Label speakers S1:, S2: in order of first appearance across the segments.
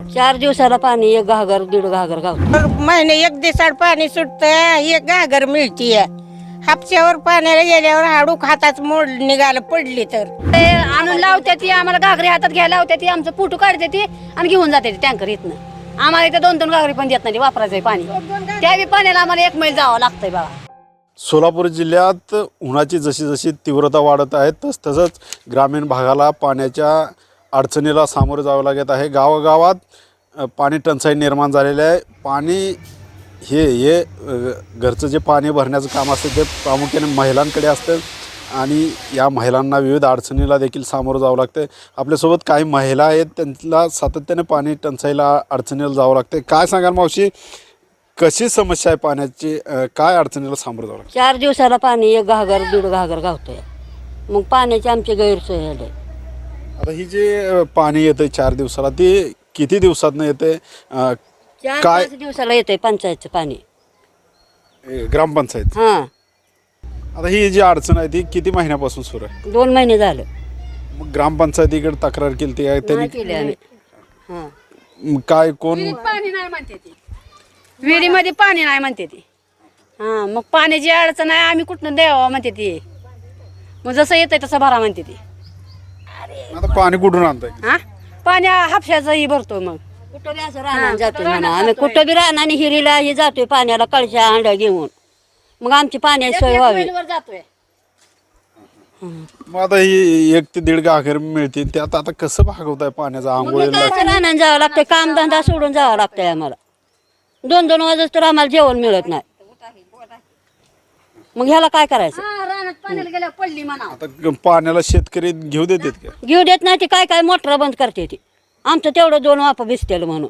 S1: 4 दिवसाला पाणी 1 घागर 1.5 घागर गावतं.
S2: महिने 1 दिवसाड पाणी सुटतं 1 घागर मिळतीये. हापश्यावर पाण्याला गेल्यावर हाडूक हातात मोड निघालं पडली तर
S3: ते आणून लावते ती आम्हाला घागरी हातात घ्यायला लावते ती आमचं फोटो काढते ती आणि घेऊन जाते ती टँकर इथनं. आम्हाला इथे 2-2 घागरी पण देत नाही वापरायचंय पाणी. त्यावेळी पाण्याला आम्हाला 1 मैल जावं लागतंय बघा.
S4: सोलापूर जिल्ह्यात उन्हाची जशी जशी तीव्रता वाढत आहे तसंच ग्रामीण भागाला पाण्याच्या अडचणीला सामोरे जावं लागत आहे. गावागावात पाणी टंचाई निर्माण झालेली आहे. पाणी हे घरचं जे पाणी भरण्याचं काम असतं ते प्रामुख्याने महिलांकडे असतं आणि या महिलांना विविध अडचणीला देखील सामोरं जावं लागतं. आपल्यासोबत काही महिला आहेत, त्यांना सातत्याने पाणी टंचाईला अडचणीला जावं लागतं. काय सांगाल मावशी, कशी समस्या आहे पाण्याची, काय अडचणीला सामोरं जावं लागतं?
S1: 4 दिवसाला पाणी 1 घागर 1.5 घागर गावतंय. मग पाण्याची आमची गैरसोय झाली.
S4: आता ही जे पाणी येतं 4 दिवसाला ते किती दिवसातनं येते?
S1: 4-5 दिवसाला येतंय पंचायतचं पाणी.
S4: ग्रामपंचायत.
S1: हां,
S4: आता ही जी अडचण आहे ती किती महिन्यापासून सुरू आहे?
S1: 2 महिने झालं.
S4: मग ग्रामपंचायतीकडे तक्रार केली ती
S1: नाही
S4: त्यांनी
S1: केली आम्ही. हां,
S4: मग काय कोण
S3: पाणी नाही म्हणते ती, विहिरीमध्ये पाणी नाही म्हणते ती. हा, मग पाण्याची अडचण आहे आम्ही कुठनं द्यावं म्हणते ती. मग जसं येतंय तसं भरा म्हणते ती.
S4: आता पाणी कुठून आणताय?
S3: हा, पाणी हापशाचंही भरतो. मग
S1: कुठं बी असं राहणार जातोय म्हणा आम्ही, कुठं बी राहणार आणि हिरीला हे जातोय पाण्याला कळशा हांड्या घेऊन. मग आमची पाण्याची सोय व्हावी.
S3: मैलवर जातोय.
S4: मग आता ही 1 ते 1.5 घागर मिळते त्यात आता कसं भागवताय पाण्याचा? आंघोळीला
S1: राहणार जावं लागतंय, कामधंदा सोडून जावं लागतंय आम्हाला. 2-2 वाजता तर आम्हाला जेवण मिळत नाही. मग ह्याला काय करायचं?
S3: हा, रानात पाण्याला गेल्यावर पडली म्हणा.
S4: आता पाण्याला शेतकरी घेऊ देतात का?
S1: घेऊ देत नाही. ती काय मोटर बंद करते ती. आमचं तेवढं 2 वापा भिजतेल म्हणून.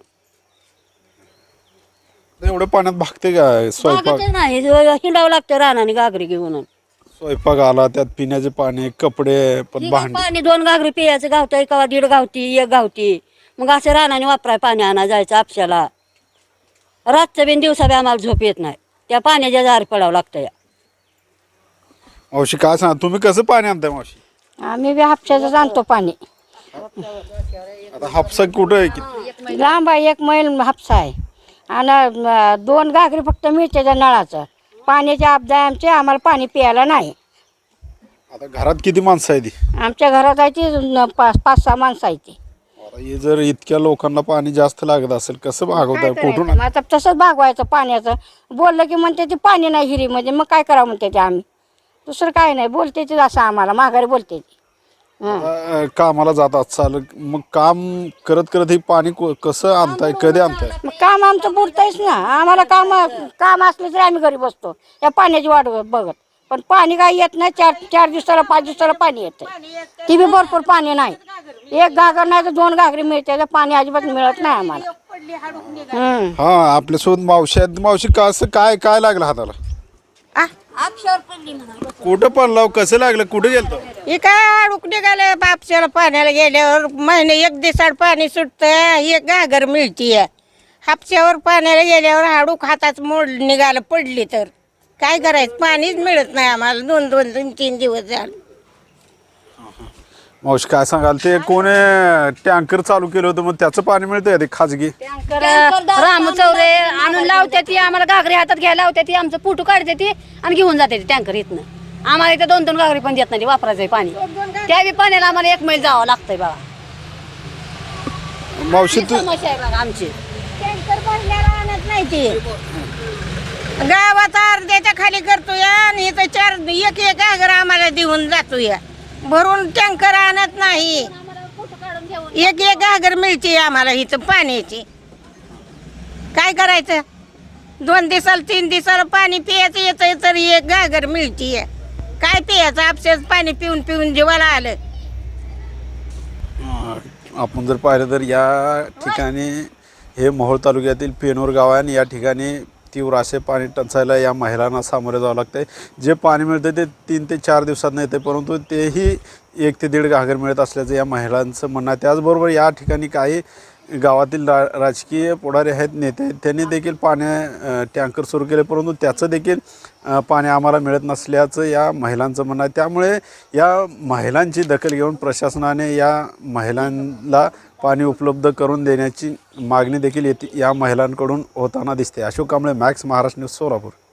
S4: एवढं पाण्यात भागते का स्वयंपाक?
S1: भागतच नाही, हिंडावं लागतं रानाने घागरी घेऊन.
S4: स्वयंपाक आला त्यात पिण्याचे पाणी, कपडे, पण भांडी.
S1: पाणी 2 घागरी पियाचं गावतंय, कवा 1.5 गावती 1 गावती. मग असं रानाने वापराय पाणी आणा जायचं आपशाला. रातचं बिन दिवसा बी आम्हाला झोप येत नाही. त्या पाण्याच्या दारी पडावं लागतं.
S4: मावशी काय सांगा, तुम्ही कसं पाणी आणताय मावशी?
S2: आम्ही बी हापश्याचं आणतो पाणी.
S4: आता हापसा कुठं आहे? किती
S2: लांब आहे 1 मैल हापसा आहे आणि 2 घागरी फक्त मिळते त्या नळाचं. पाण्याची आपदा आहे आमची, आम्हाला पाणी प्यायला नाही.
S4: आता घरात किती माणसं आहे ती?
S2: आमच्या घरात आहे ती 5-6 माणसं आहे ती.
S4: आता हे जर इतक्या लोकांना पाणी जास्त लागत असेल कसं भागवताय? कुठून
S2: मग आता तसंच भागवायचं पाण्याचं. बोललं की म्हणते ते पाणी नाही हिरीमध्ये, मग काय करावं म्हणते ते आम्ही. दुसरं काय नाही, बोलते ते असं आम्हाला माघारी बोलते ती.
S4: कामाला जातात चाल, मग काम करत करत हे पाणी कसं आणताय, कधी आणताय?
S2: मग काम आमचं पुरतंयच ना. आम्हाला काम असलं तरी आम्ही घरी बसतो या पाण्याची वाट बघत. पण पाणी काय येत नाही. 4 दिवसाला 5 दिवसाला पाणी येतं. ती बी भरपूर पाणी नाही. 1 घागर नाही तर 2 घागरी मिळते. तर पाणी अजिबात मिळत नाही आम्हाला.
S4: हा, आपल्यासोबत मावशी आहेत. मावशी कसं काय काय लागलं हाताला? कुठं पडला? कसं लागलं? कुठे गेलतो?
S2: हे काय अडूक निघालं बापशाला पाण्याला गेल्यावर महिने 1 दिवसाड पाणी सुटतं 1 घागर मिळतीये. हापश्यावर पाण्याला गेल्यावर हाडूक हातात मोड निघालं पडली तर काय करायचं? पाणीच मिळत नाही आम्हाला. 2-3 दिवस झाले.
S4: मावशी काय सांगाल, ते कोणी टँकर चालू केलं होतं मग त्याचं पाणी मिळतंय ते खाजगी?
S3: रामू चौरे आणून लावते ती आम्हाला घागरी हातात घ्यायला लावते ती आमचं फोटो काढते ती आणि घेऊन जाते ती टँकर इथनं. आम्हाला इथे 2-2 घागरी पण देत नाही वापरायचंय पाणी. त्यावेळी पाण्याला आम्हाला 1 मैल जावं लागतंय बघा.
S4: मावशी तू
S3: समस्या आहे बघा आमची.
S2: टँकर भरल्याला आणत नाही ती. गावात अर्ध्याच्या खाली करतोय आणि इथं 1 घागर आम्हाला देऊन जातोय. भरून टँकर आणत नाही. 1 घागर मिळते आम्हाला इथं पाण्याची. काय करायचं? 2 दिवसाला 3 दिवसाला पाणी प्यायचं येतं तर 1 घागर मिळते. काय प्यायचं? आपल्याच पाणी पिऊन पिऊन जीवाला आलं.
S4: आपण जर पाहिलं तर या ठिकाणी हे मोहोळ तालुक्यातील पेनोर गाव आहे आणि या ठिकाणी तीव्र असे पाणी टंचायला या महिलांना सामोरे जावं लागतंय. जे पाणी मिळतं ते 3 ते 4 दिवसात येते, परंतु तेही 1 ते 1.5 घागर मिळत असल्याचं या महिलांचं म्हणणं आहे. त्याचबरोबर या ठिकाणी काही गावातील राजकीय पुढारी आहेत, नेते आहेत, त्यांनी देखील टँकर सुरू केले, परंतु त्याचं देखील पाणी आम्हाला मिळत नसल्याचं या महिलांचं म्हणणं आहे. त्यामुळे या महिलांची दखल घेऊन प्रशासनाने या महिलांना पाणी उपलब्ध करून देण्याची मागणी देखील या महिलांकडून होताना दिसते. Ashok Kamble, Max Maharashtra news, Solapur.